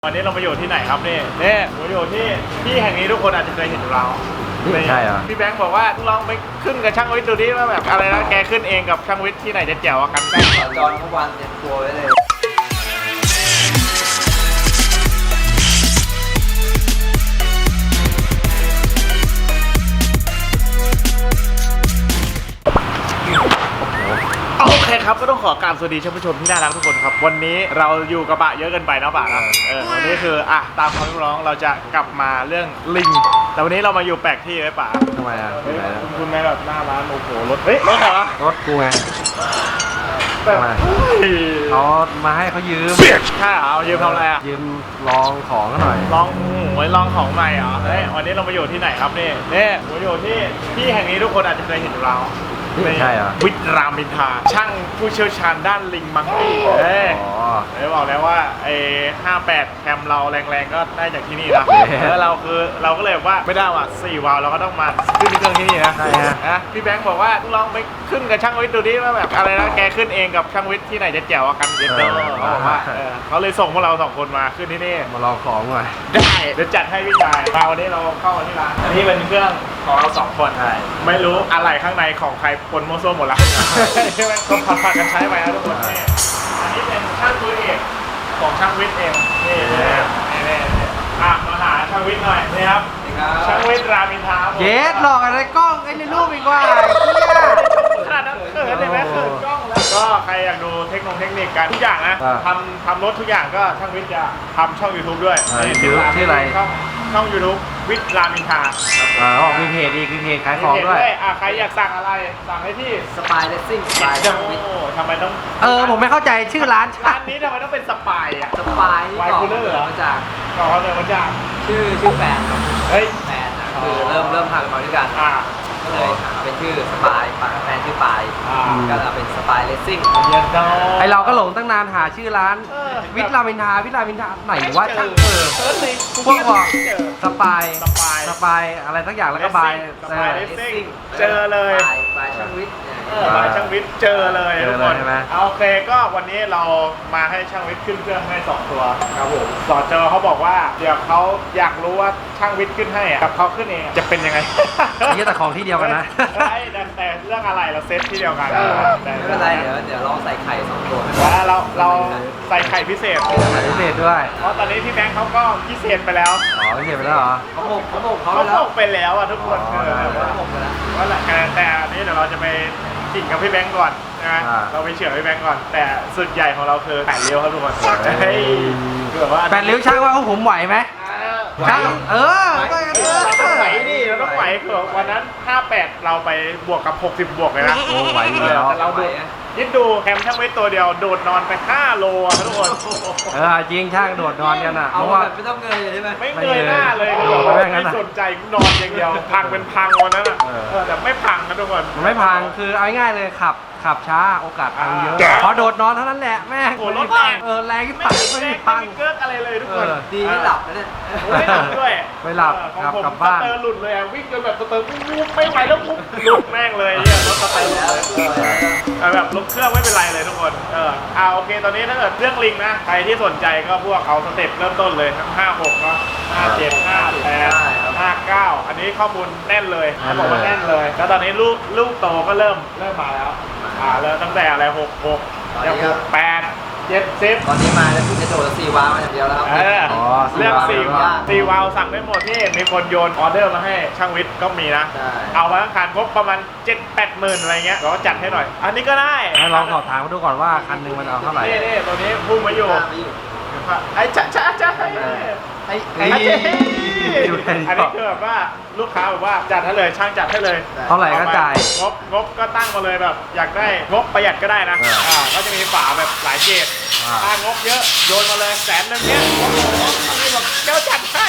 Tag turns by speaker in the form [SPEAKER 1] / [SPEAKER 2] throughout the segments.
[SPEAKER 1] วันนี้เรามาอยู่ที่ไหนครับนี่เราอยู่ที่แห่งนี้ทุกคนอาจจะเคยเห็นเรา
[SPEAKER 2] ใช่เหรอ
[SPEAKER 1] พี่แบงค์บอกว่าลองไปขึ้นกับช่างวิทย์ดูดิว่าแบบอะไรนะแกขึ้นเองกับช่างวิทย์ที่ไหนจะแจ๋วกัน
[SPEAKER 3] จอนเมื่อวานเตรียมตัวไว้เลย
[SPEAKER 1] โอเคครับก็ต้องขอกราบสวัสดีท่านผู้ชมที่น่ารักทุกคนครับวันนี้เราอยู่กระบะเยอะเกินไปนะป่ะนะวันนี้คือตามคำเรียกร้องเราจะกลับมาเรื่องลิงแต่วันนี้เรามาอยู่แปลกที่ไว้ป่ะ
[SPEAKER 2] ทำไมอ่ะ
[SPEAKER 1] คุณแม่แบบหน้าร้านโอ้โหรถรถอะไรวะ
[SPEAKER 2] รถกูไง
[SPEAKER 1] แบบ
[SPEAKER 2] เขามาให้เขายืม
[SPEAKER 1] ใช่เหรอยืมทำอะไรอ่ะ
[SPEAKER 2] ยืมลองของหน่อย
[SPEAKER 1] ลองลองของใหม่เหรอวันนี้เรามาอยู่ที่ไหนครับนี่มาอยู่ที่แห่งนี้ทุกคนอาจจะเคยเห็นเรา
[SPEAKER 2] ใช่เหรอ
[SPEAKER 1] วิทย์รามอินทราช่างผู้เชี่ยวชาญด้านลิงมังกี้บอกแล้วว่าไอ้58แคมเราแรงๆก็ได้จากที่นี่นะแล้วเราก็เลยว่าไม่ได้ว่ะ4วาล์วเราก็ต้องมาขึ้นเครื่องที่นี่นะ
[SPEAKER 2] ใช่ฮะ
[SPEAKER 1] พี่แบงค์บอกว่าลองไปขึ้นกับช่างวิทย์ดูดิว่าแบบอะไรนะแกขึ้นเองกับช่างวิทย์ที่ไหนจะแจ๋วกันเขาบอกว่าเขาเลยส่งพวกเรา2คนมาขึ้นที่นี่
[SPEAKER 2] มาลองของหน่อย
[SPEAKER 1] ได้เดี๋ยวจัดให้พี่ชายมาวันนี้เราเข้ามาที่ร้านอันนี้เป็นเครื่องของเรา2คนไม่รู้อะไรข้างในของใครปนโมโซหมดละก็ผัดกันใช้ไปนะทุกคนนี่อันนี้เป็นช่างตัวเอกของช่างวิทย์เองนี่มาหาช่างวิทย์หน่อยนี่ครับช่างวิทย์รามอินทรา
[SPEAKER 2] เย็ดหลอกอะไรกล้องไอ้ในรูปอีกว่า
[SPEAKER 1] ขนาดนั้นเขินเลยไหมเขินกล้องแล้วก็ใครอยากดูเทคนิคการทุกอย่างนะทำรถทุกอย่างก็ช่างวิทย์จะทำช่อง YouTube ด้วย
[SPEAKER 2] ชื่ออะไร
[SPEAKER 1] ช่อง YouTube วิทย์รามอินทรา
[SPEAKER 2] มีเพจอีกมีเพจขายของด้วย
[SPEAKER 1] ใครอยากสั่งอะไรสั่งให้ที่
[SPEAKER 3] สปายเลสซิ่งสปายช่างวิทย์
[SPEAKER 1] ทำไมต้อง
[SPEAKER 2] ผมไม่เข้าใจชื่อร้าน
[SPEAKER 1] นี้ทำไมต้องเป็นสปายอ่ะ
[SPEAKER 3] สปายนี่ก่อนมาจากชื่อแฟนครับแฟนนะคือเริ่มทำมาด้วยกันก็เลยเป็นชื่อสปายแฟนชื่อปายก็เลยเป็นสปายเลสซิ่ง
[SPEAKER 2] ไอเราก็หลงตั้งนานหาชื่อร้านวิทย์รามอินทราไหนว่าช่างพวกบอกสปายอะไรสักอย่างแล้วก็บาย
[SPEAKER 1] เลสซิ่งเจอเลย
[SPEAKER 3] บายช่างวิทย์
[SPEAKER 1] ช่างวิทย์เจอเลยทุกคนโอเคก็วันนี้เรามาให้ช่างวิทย์ขึ้นเครื่องให้2ตัวครับผมสอเจอเขาบอกว่าเดี๋ยวเขาอยากรู้ว่าช่างวิทย์ขึ้นให้กับเขาขึ้นเองจะเป็นยังไง
[SPEAKER 2] นี่แต่ของที่เดียวกันนะ
[SPEAKER 1] ใช่แต่เรื่องอะไรเราเซตที่เดียวกัน
[SPEAKER 3] ไม่เป็นไรเดี๋ยวลองใส่ไข่2ตัว
[SPEAKER 1] แล้วเราใส่ไข่พิเศษ
[SPEAKER 2] ด้วย
[SPEAKER 1] เพราะตอนนี้พี่แบงค์เขาก็พิเศษไปแล้ว
[SPEAKER 2] พิเศษไปแล้วเหรอ
[SPEAKER 3] เขา
[SPEAKER 1] ไปแล้วอ่ะทุกคนว่าแหละแต่อันนี้เดี๋ยวเราจะไปกิ่งกับพี่แบงค์ก่อนนะเราไปเฉื่อยพี่แบงค์ก่อนแต่สุดใหญ่ของเราคือ8 เลี้ยวครับทุกคนคือแบบว่า
[SPEAKER 2] 8 เลี้ยวช่างว่าผมไหวไหมช่าง
[SPEAKER 1] เราต้องไหวดิเราต้องไหวคือวันนั้น58เราไปบวกกับ60บวกเลยนะ
[SPEAKER 2] ไหวอยู่แล้ว
[SPEAKER 1] แต่เราดูยิดดูแคมช่างไว้ตัวเดียวโดดนอนไป5 โลทุกคน
[SPEAKER 2] จริงช่างโดดนอนกันอ่ะ
[SPEAKER 3] เพราะว่าไม่ต้องเงยใช่ไหม
[SPEAKER 1] ไม่เงยหน้าเลยไม่สนใจนอนอย่างเดียวพังเป็นพังวันนั้นแต่ไม่พังนะทุกคน
[SPEAKER 2] ไม่พังคือเอาง่ายเลยขับช้าโอกาสพังเยอะพอโดดนอนเท่านั้นแหละแม่
[SPEAKER 1] รถแรง
[SPEAKER 2] แรงที่พังไม่พัง
[SPEAKER 1] เกิดอะไรเลยทุกคน
[SPEAKER 3] ดีไม่หลับนะเนี่ย
[SPEAKER 1] ไม่หลับด้วย
[SPEAKER 2] ไม่หลับกลับบ้าน
[SPEAKER 1] สเตอร์หลุดเลยวิ่งจนแบบสเตอร์ไม่ไหวแล้วปุ๊บหลุดแม่งเลยเนี่ยรถสเตอร์แล้วแบบลบเครื่องไม่เป็นไรเลยทุกคนโอเคตอนนี้ถ้าเกิดเรื่องลิงนะใครที่สนใจก็พวกเอาสเต็ปเริ่มต้นเลยทั้ง56เนาะ57 58 59อันนี้ข้อมูลแน่นเลยบอกว่าแน่นเลยแล้วตอนนี้ลูกโตก็เริ่มมาแล้วเริ่มตั้งแต่อะไร66ยัง68 70
[SPEAKER 3] ตอนนี้มาแล้วคุณจะโดด4 วาล์วมาอย่างเดียวแล้วครับ
[SPEAKER 1] เรื่อง4 วาล์วสั่งได้หมดที่มีคนโยนออเดอร์มาให้ช่างวิทย์ก็มีนะเอามาทั้งคันครบประมาณ 7-8 หมื่นอะไรเงี้ยเราจัดให้หน่อยอันนี้ก็ได้
[SPEAKER 2] ลองสอบถามมาดูก่อนว่าคันนึงมันเอาเท่าไหร่
[SPEAKER 1] นี่ตัวนี้พุ่งมาอยู่ไอ้จ้าอันนี้คือแบบว่าลูกค้าแบบว่าจัดให้เลยช่างจัดให้เลย
[SPEAKER 2] เท่าไหร่ก็จ่าย
[SPEAKER 1] งบก็ตั้งมาเลยแบบอยากได้งบประหยัดก็ได้นะก็จะมีฝาแบบหลายเกรดถ้างบเยอะโยนมาเลย100,000เนี้ยนี่แบบเจ้าจัดให้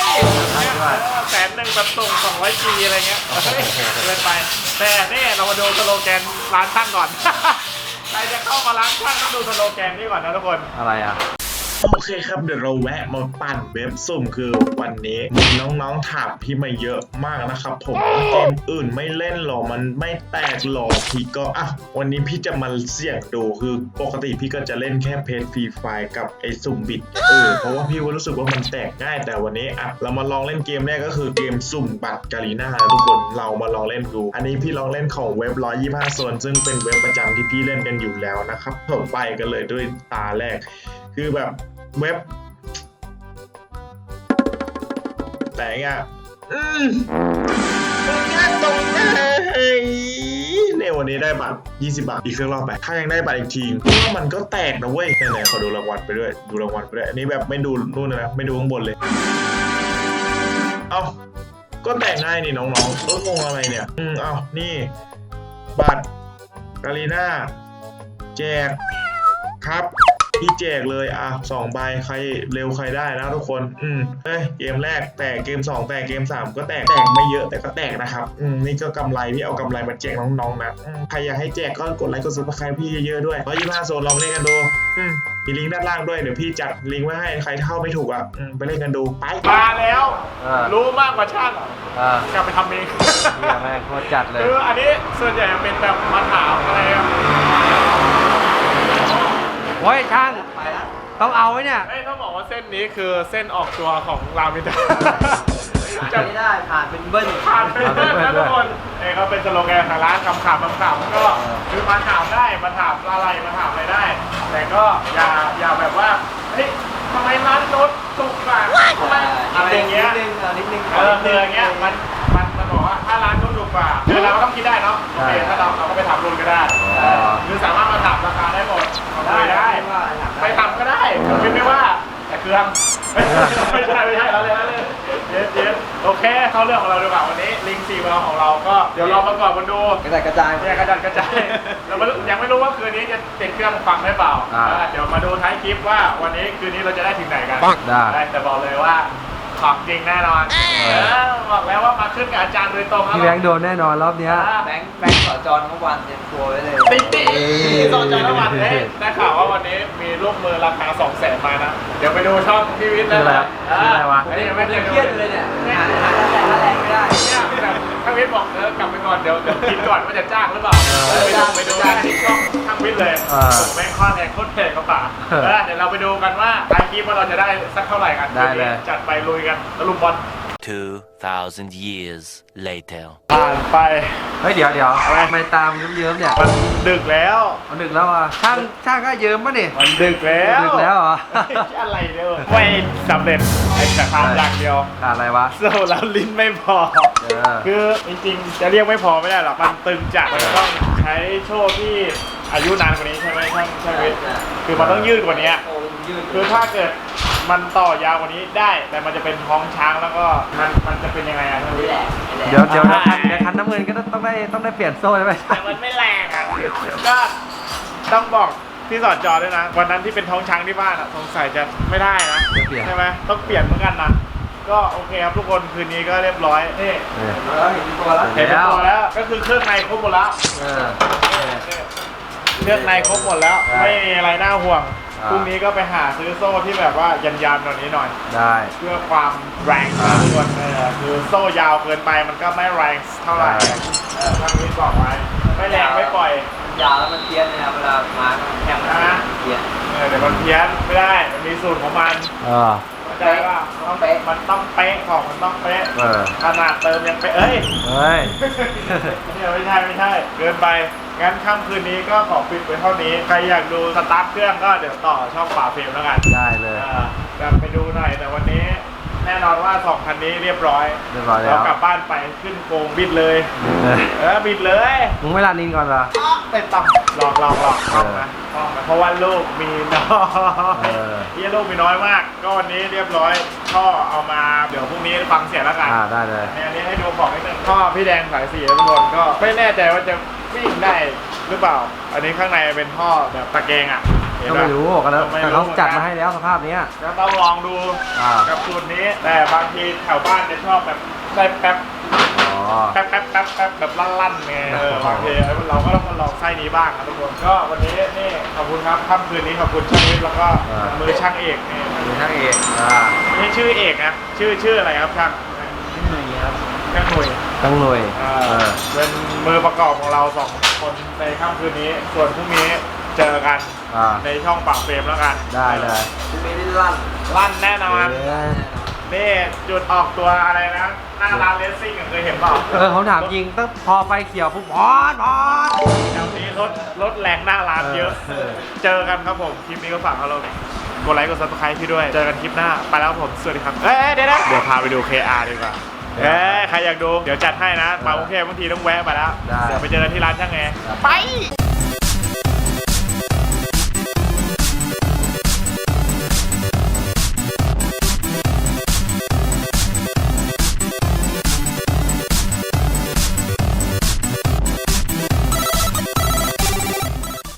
[SPEAKER 1] 100,000แบบส่ง200Gอะไรเงี้ยเกินไปแต่นี่เรามาดูสโลแกนร้านช่างก่อนใครจะเข้ามาร้านช่างต้องดูสโลแกนนี่ก่อนนะทุกคน
[SPEAKER 2] อะไรอ่ะ
[SPEAKER 4] โอเคครับเดี๋ยวเราแวะมาปั่นเว็บสุ่มคือวันนี้มีน้องๆถามพี่มาเยอะมากนะครับผมเกมอื่นไม่เล่นหรอมันไม่แตกหรอพี่ก็วันนี้พี่จะมาเสี่ยงดูคือปกติพี่ก็จะเล่นแค่เพจฟรีไฟกับไอ้สุ่มบิดเพราะว่าพี่รู้สึกว่ามันแตกง่ายแต่วันนี้เรามาลองเล่นเกมแรกก็คือเกมสุ่มบัตรกาลีน่าทุกคนเรามาลองเล่นดูอันนี้พี่ลองเล่นของเว็บ125 โซนซึ่งเป็นเว็บประจำที่พี่เล่นกันอยู่แล้วนะครับผมไปกันเลยด้วยตาแรกคือแบบเว็บแต่ง่ายตรงเลยเนี่ยวันนี้ได้บัตร20 บาทอีกเครื่องรอบไปถ้ายังได้บัตรอีกทีเพราะว่ามันก็แตกนะเว้ยไหนๆขอดูรางวัลไปด้วยดูรางวัลไปด้วยอันนี้แบบไม่ดูนู่นนะไม่ดูข้างบนเลยก็แตกง่ายนี่น้องๆงงอะไรเนี่ยนี่บัตรกาลีน่าแจกครับพี่แจกเลย2 ใบใครเร็วใครได้นะทุกคนเกมแรกแตกเกม2แตกเกม3ก็แตกไม่เยอะแต่ก็แตกนะครับนี่ก็กำไรพี่เอากำไรมาแจกน้องๆนะใครอยากให้แจกก็กดไลค์กดซับสไครป์พี่เยอะๆด้วย125 โซนลองเล่นกันดูมีลิงก์ด้านล่างด้วยเดี๋ยวพี่จัดลิงก์ไว้ให้ใครเข้าไม่ถูกไปเล่นกันดูไป
[SPEAKER 1] มาแล้วรู้มากกว่าช่างกลับไปทำเอง
[SPEAKER 2] แม่งโคตรจัดเลย
[SPEAKER 1] คืออันนี้ส่วนใหญ่เป็นแบบมาถามอะไร
[SPEAKER 2] โอ้ยช่างต้องเอาไว้เนี่ย
[SPEAKER 1] ต้องบอกว่าเส้นนี้คือเส้นออกตัวของรามิดา
[SPEAKER 3] จะไม่ได้ผ่านเป็นเบิ้ล
[SPEAKER 1] นะทุกคนก็เป็นสโลแกนของร้านขำๆก็คือมาถามได้มาถามอะไรมาถามอะไรได้ แต่ก็อย่าแบบว่าเฮ้ยทำไมร้านรถสุกอ่ะทำไมอะไรอย่างเงี้ย
[SPEAKER 3] นิดนึง
[SPEAKER 1] อย่างเงี้ยมันบอกว่าถ้าร้านนู้นถูกกว่าคือเราก็ต้องคิดได้เนาะโอเคถ้าเราก็ไปถามรุ่นก็ได้คือสามารถมาถามราคาได้หมดได้ไปทำก็ได้คิดไม่ว่าแต่เครื่องไม่ใช่เราเลยเย็นโอเคเข้าเรื่องของเราดีกว่าวันนี้ลิงก์4 เวลของเราก็เดี๋ยวเราประกอบกันดู
[SPEAKER 3] กระจาย
[SPEAKER 1] เรายังไม่รู้ว่าคืนนี้จะติดเครื่องฟังได้เปล่าเดี๋ยวมาดูท้ายคลิปว่าวันนี้คืนนี้เราจะได้ถึงไหนกันได้แต่บอกเลยว่าของจริงแน่นอนบอกแล้วว่ามาขึ้นกับอาจารย์โดยตรง
[SPEAKER 2] พี่แบงค์โดนแน่นอนรอบนี้
[SPEAKER 3] แบงค์สอจรเมื่อวานเต็มตัวไว้เลย
[SPEAKER 1] ติ๊สอจรเมื่อวานได้ข่าวว่าวันนี้มีลูกมือราคา200,000มานะเดี๋ยวไปดูช่องพี่วิทย์แล้ว
[SPEAKER 2] อะไรวะ
[SPEAKER 3] อันนี้ไม่เครียดเลยเนี่ยหาแรงไม่ได้
[SPEAKER 1] เนี่ยแบบช่างวิทย์บอกกลับไปก่อนเดี๋ยวคิดก่อนว่าจะจ้างหรือเปล่าไปดูที่ช่องช่างวิทย์เลยแม่งข้อแรงโคตรแพงก็ป่าเดี๋ยวเราไปดูกันว่าท้ายคลิปว่าเราจะได้สักเท่าไหร่กัน
[SPEAKER 2] ได้เลย
[SPEAKER 1] จัดไปลุยกันแล้วลุมบอล
[SPEAKER 5] 2,000 years later
[SPEAKER 1] ผ่านไป
[SPEAKER 2] เฮ้ยเดี๋ยวทำไมตามเยิ้มๆเนี่ย
[SPEAKER 1] มันดึกแล้ว
[SPEAKER 2] ช่างก็เยิ้มป่ะนี่
[SPEAKER 1] มันดึกแล้ว
[SPEAKER 2] เหรอ
[SPEAKER 1] อะไรเด้อไม่สำเร็จไอ้แต่ความอย่างเดียว
[SPEAKER 2] อะไรวะ
[SPEAKER 1] โซ่แล้วลิ้นไม่พอคือจริงๆจะเรียกไม่พอไม่ได้หรอกมันตึงจัดมันต้องใช้โชว์ที่อายุนานกว่านี้ใช่ไหมใช่ไหมคือมันต้องยืดกว่านี้คือถ้าเกิดมันต่อยาวกว่านี้ได้แต่มันจะเป็นท้องช้างแล้วก็มันจะเป็นยังไง
[SPEAKER 2] เดี๋ยวคันน้ำเงินก็ต้องได้เปลี่ยนโซ่ใช่ไหม
[SPEAKER 1] แต่มันไม่แรงก็ต้องบอกที่สอดจอด้วยนะวันนั้นที่เป็นท้องช้างที่บ้านสงสัยจะไม่ได้นะใช่ไหมต้องเปลี่ยนเหมือนกันนะก็โอเคครับทุกคนคืนนี้ก็เรียบร้อยนี่
[SPEAKER 3] เห็นตัว
[SPEAKER 1] แล้วก็คือเครื่องในครบหมดแล้วเครื่องในครบหมดแล้วไม่มีอะไรน่าห่วงพรุ่งนี้ก็ไปหาซื้อโซ่ที่แบบว่ายันๆตรงนี้หน่อย
[SPEAKER 2] ได้
[SPEAKER 1] เพื่อความแรงนะทุกคนคือโซ่ยาวเกินไปมันก็ไม่แรงเท่าไหร่ทางนี้บอกไว้ไม่แรงไม่ปล่อย
[SPEAKER 3] ยาวแล้วมันเพี้ยนนะครับเวลามาแข่งนะ
[SPEAKER 1] เพี้ยนแต่มันเพี้ยนไม่ได้มันมีสูตรของมันเข้าใจว่ามันต้องเป๊ะของมันต้องเป๊ะขนาดเติมยังเป๊ะเนี่ยไม่ใช่เกินไปงั้นค่ำคืนนี้ก็ขอปิดไว้เท่านี้ใครอยากดูสตาร์ทเครื่องก็เดี๋ยวต่อช่องฝาเฟรมแล้วกัน
[SPEAKER 2] ได้เลย
[SPEAKER 1] จะไปดูหน่อยแต่วันนี้แน่นอนว่า2 คันนี้เรียบร้อย
[SPEAKER 2] แล้ว
[SPEAKER 1] กลับบ้านไปขึ้นโกงบิดเลยบิดเลย
[SPEAKER 2] มึงไม่ลานินก่อนเหรอ
[SPEAKER 1] ไปต่ำลองนะเพราะว่าลูกมีน้อยที่ลูกมีน้อยมากก็วันนี้เรียบร้อยท่อเอามาเดี๋ยวพรุ่งนี้ฟังเสียงแล้วกัน
[SPEAKER 2] ได้เลย
[SPEAKER 1] อันนี้ให้ดูของนิดนึงท่อพี่แดงสายสีทุกคนก็ไม่แน่ใจว่าจะวิ่งได้หรือเปล่าอันนี้ข้างในเป็นท่อแบบตะแกรง
[SPEAKER 2] ก็ไม่รู้กันแล้วแต่เขาจัดมาให้แล้วสภาพนี้
[SPEAKER 1] ก็ต้องลองดูกับสูตรนี้แต่บางทีแถวบ้านจะชอบแบบได้แป๊บแป๊บแบบลั่นๆไงบางทีเราก็ต้องมาลองไส้นี้บ้างครับทุกคนก็วันนี้นี่ขอบคุณครับค่ำคืนนี้ขอบคุณช่างวิทย์แล้วก็มือช่างเอกนี่
[SPEAKER 2] มือช่างเอก
[SPEAKER 1] ไม่ใช่ชื่อเอกนะชื่ออะไรครับช่าง
[SPEAKER 3] หนึ่งครับ
[SPEAKER 1] ช่างหนุ่ย
[SPEAKER 2] ต้องหน่วย
[SPEAKER 1] เป็นมือประกอบของเรา2 คนในค่ำคืนนี้ ส่วนพรุ่งนี้เจอกันในช่องปากเฟรมแล้วกัน
[SPEAKER 2] ได้เลย
[SPEAKER 3] คุณเมย์ได้ลั่น
[SPEAKER 1] ลั่นแน่นอนนี่จุดออกตัวอะไรนะหน้าร้านเลสซิ่งเคยเห็นเปล่า
[SPEAKER 2] เขาถามจริงตั้งพอไฟเขียวปุ๊บบอส
[SPEAKER 1] แถวนี้รถแรงหน้าร้านเยอะ เจอกันครับผม คลิปนี้ก็ฝากเรากดไลค์กดซับสไครต์พี่ด้วย เจอกันคลิปหน้า ไปแล้วครับผม สวัสดีครับ เดี๋ยวพาไปดู KR ดีกว่าใครอยากดู เดี๋ยวจัดให้นะ มากรุงเทพบางทีต้องแวะไปแล้ว เดี๋ยวไปเจอกันที่ร้านช่างแอร์ไป